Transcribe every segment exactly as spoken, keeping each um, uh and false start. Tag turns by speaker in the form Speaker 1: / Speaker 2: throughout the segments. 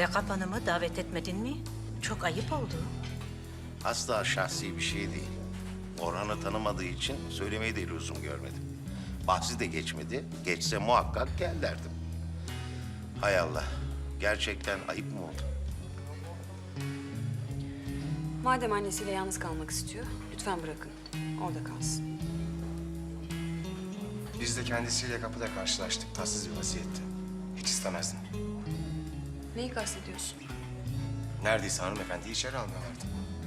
Speaker 1: Serap Hanım'ı davet etmedin mi? Çok ayıp oldu.
Speaker 2: Asla şahsi bir şey değil. Orhan'ı tanımadığı için söylemeyi de lüzum görmedim. Bahsi de geçmedi. Geçse muhakkak gel derdim. Hay Allah. Gerçekten ayıp mı oldu?
Speaker 3: Madem annesiyle yalnız kalmak istiyor, lütfen bırakın. Orada kalsın.
Speaker 4: Biz de kendisiyle kapıda karşılaştık, tatsız bir vaziyette. Hiç istemezdim.
Speaker 3: Neyi kastediyorsun?
Speaker 4: Neredeyse hanımefendiyi içeri almıyorlardı.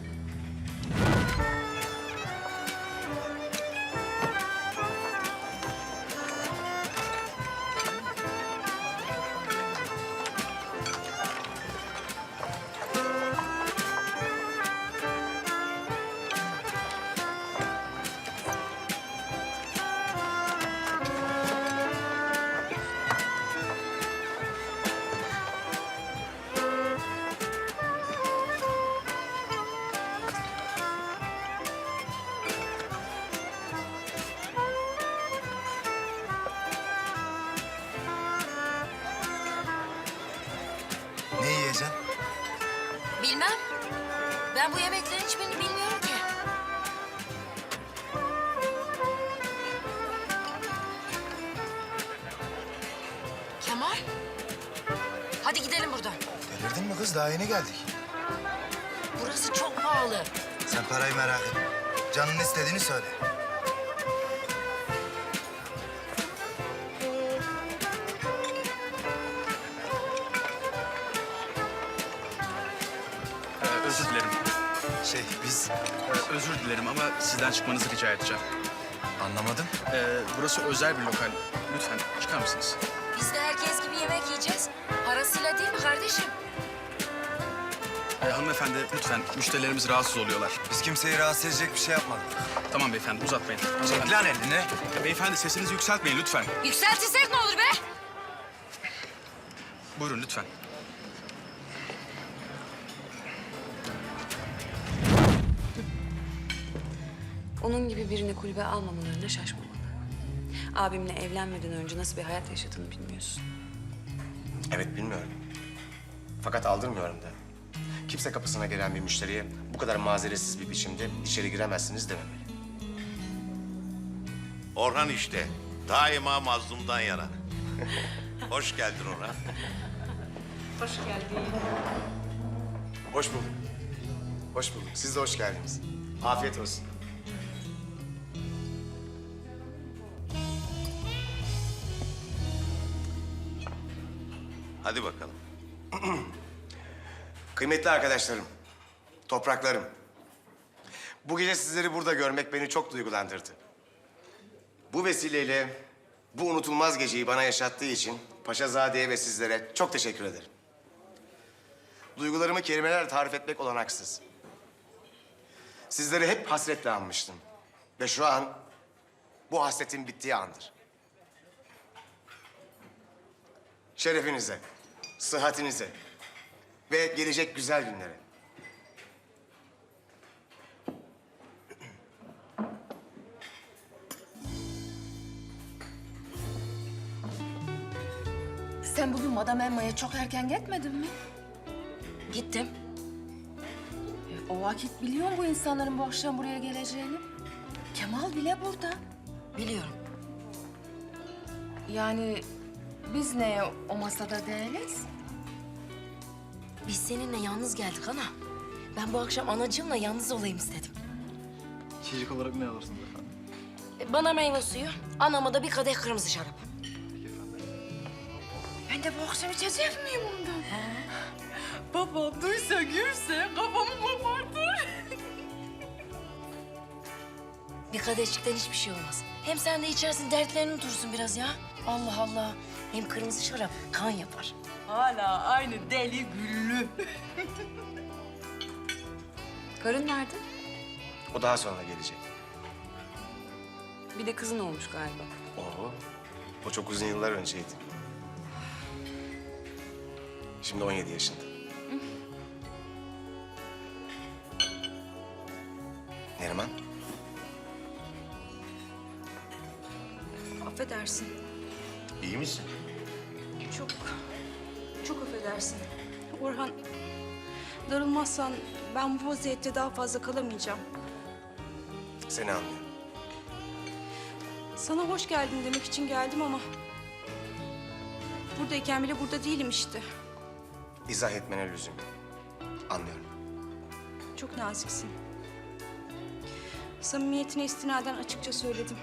Speaker 5: Ne yiyeceksin?
Speaker 6: Bilmem. Ben bu yemeklerin hiçbirini bilmiyorum ki. Kemal. Hadi gidelim buradan.
Speaker 5: Delirdin mi kız? Daha yeni geldik.
Speaker 6: Burası çok pahalı.
Speaker 5: Sen parayı merak etme. Canın istediğini söyle.
Speaker 7: Ee, özür dilerim.
Speaker 5: Şey biz...
Speaker 7: Ee, özür dilerim ama sizden çıkmanızı rica edeceğim.
Speaker 5: Anlamadım.
Speaker 7: Ee, burası özel bir lokal. Lütfen çıkar mısınız?
Speaker 6: Biz de herkes gibi yemek yiyeceğiz. Parasıyla değil mi kardeşim?
Speaker 7: Ee, hanımefendi lütfen, müşterilerimiz rahatsız oluyorlar.
Speaker 5: Biz kimseyi rahatsız edecek bir şey yapmadık.
Speaker 7: Tamam beyefendi, uzatmayın. uzatmayın.
Speaker 5: Çek lan elini.
Speaker 7: Ee, Beyefendi sesinizi yükseltmeyin lütfen.
Speaker 6: Yükseltirsek ne olur be?
Speaker 7: Buyurun lütfen.
Speaker 3: Onun gibi birini kulübe almamalarına şaşmamalı. Abimle evlenmeden önce nasıl bir hayat yaşadığını bilmiyorsun.
Speaker 4: Evet, bilmiyorum. Fakat aldırmıyorum da. Kimse kapısına gelen bir müşteriye bu kadar mazeretsiz bir biçimde içeri giremezsiniz dememeli.
Speaker 2: Orhan işte. Daima mazlumdan yana. Hoş geldin Orhan.
Speaker 4: Hoş bulduk. Hoş bulduk. Siz de hoş geldiniz. Afiyet olsun.
Speaker 2: Hadi bakalım.
Speaker 4: Kıymetli arkadaşlarım, topraklarım. Bu gece sizleri burada görmek beni çok duygulandırdı. Bu vesileyle bu unutulmaz geceyi bana yaşattığı için Paşazade'ye ve sizlere çok teşekkür ederim. Duygularımı kelimelerle tarif etmek olanaksız. Sizleri hep hasretle anmıştım. Ve şu an bu hasretin bittiği andır. Şerefinize, sıhhatinize ve gelecek güzel günlere.
Speaker 8: Sen bugün Madame Emma'ya çok erken gitmedin mi?
Speaker 6: Gittim.
Speaker 8: E, o vakit biliyorum bu insanların bu akşam buraya geleceğini. Kemal bile burada.
Speaker 6: Biliyorum.
Speaker 8: Yani biz ne o masada değiliz?
Speaker 6: Biz seninle yalnız geldik ana. Ben bu akşam anacığımla yalnız olayım istedim.
Speaker 7: İçecek olarak ne alırsınız efendim?
Speaker 6: E, Bana meyve suyu, anama da bir kadeh kırmızı şarap.
Speaker 8: Ben de bu akşam içecek miyim ondan? Baba duysa gürse kafamı kopartır.
Speaker 6: Bir kadehçikten hiçbir şey olmaz. Hem sen de içersin, dertlerini unutursun biraz ya. Allah Allah. Hem kırmızı şarap kan yapar.
Speaker 8: Hala aynı deli güllü.
Speaker 3: Karın nerede?
Speaker 4: O daha sonra gelecek.
Speaker 3: Bir de kızın olmuş galiba.
Speaker 4: Oo, o çok uzun yıllar önceydi. Şimdi on yedi yaşında. Neriman,
Speaker 3: Affedersin.
Speaker 2: İyi misin?
Speaker 3: Çok, çok affedersin.
Speaker 9: Orhan, darılmazsan ben bu vaziyette daha fazla kalamayacağım.
Speaker 4: Seni anlıyorum.
Speaker 9: Sana hoş geldin demek için geldim ama... buradayken bile burada değilim işte.
Speaker 4: İzah etmene lüzum yok. Anlıyorum.
Speaker 9: Çok naziksin. Samimiyetine istinaden açıkça söyledim.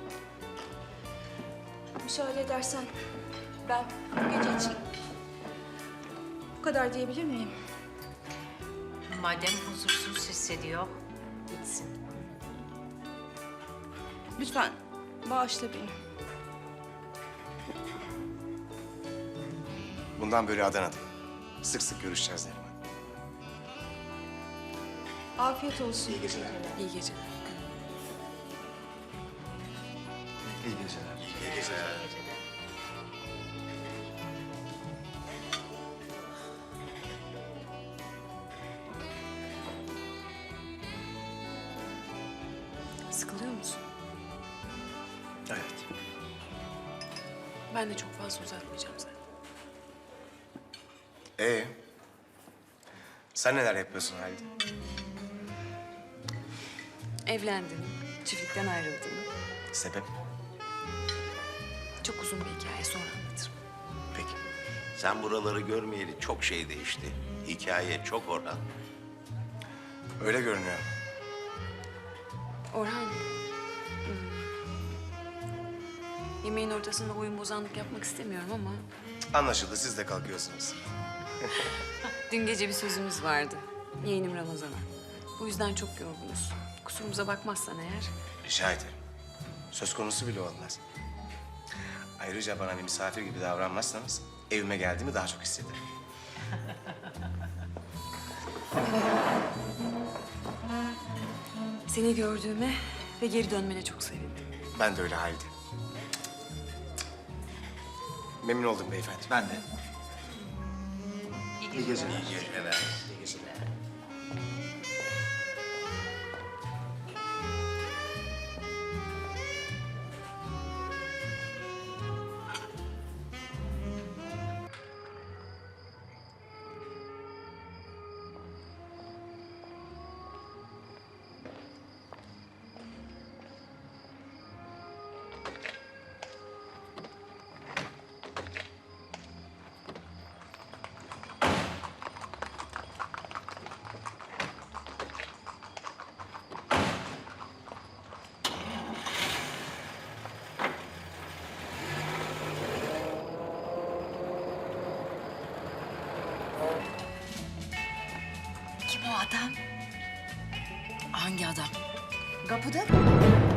Speaker 9: Müsaade edersen ben bu gece için bu kadar diyebilir miyim?
Speaker 1: Madem huzursuz hissediyor, gitsin.
Speaker 9: Lütfen bağışla beni.
Speaker 4: Bundan böyle Adana'da. Sık sık görüşeceğiz Neriman.
Speaker 9: Afiyet olsun.
Speaker 4: İyi geceler.
Speaker 3: İyi geceler.
Speaker 5: İyi geceler.
Speaker 4: İyi geceler.
Speaker 3: Sıkılıyor musun?
Speaker 5: Evet.
Speaker 3: Ben de çok fazla uzatmayacağım zaten.
Speaker 4: Ee, sen neler yapıyorsun Halide?
Speaker 3: Evlendim, çiftlikten ayrıldım.
Speaker 4: Sebep?
Speaker 3: Çok uzun bir hikaye, sonra anlatırım.
Speaker 4: Peki.
Speaker 2: Sen buraları görmeyeli çok şey değişti. Hikaye çok Orhan.
Speaker 4: Öyle görünüyor.
Speaker 3: Orhan, hmm, yemeğin ortasında oyun bozanlık yapmak istemiyorum ama...
Speaker 4: Anlaşıldı, siz de kalkıyorsunuz.
Speaker 3: Dün gece bir sözümüz vardı. Yeğenim Ramazan'a. Bu yüzden çok yorgunuz. Kusurumuza bakmazsan eğer...
Speaker 4: Rica ederim. Söz konusu bile olmaz. Ayrıca bana bir misafir gibi davranmazsanız evime geldiğimi daha çok hissederim.
Speaker 3: Seni gördüğüme ve geri dönmene çok sevindim.
Speaker 4: Ben de öyle Halide. Memnun oldum beyefendi.
Speaker 5: Ben de.
Speaker 1: İyi geceler.
Speaker 2: İyi geceler.
Speaker 4: İyi geceler.
Speaker 6: Kim o adam? Hangi adam? Kapıda.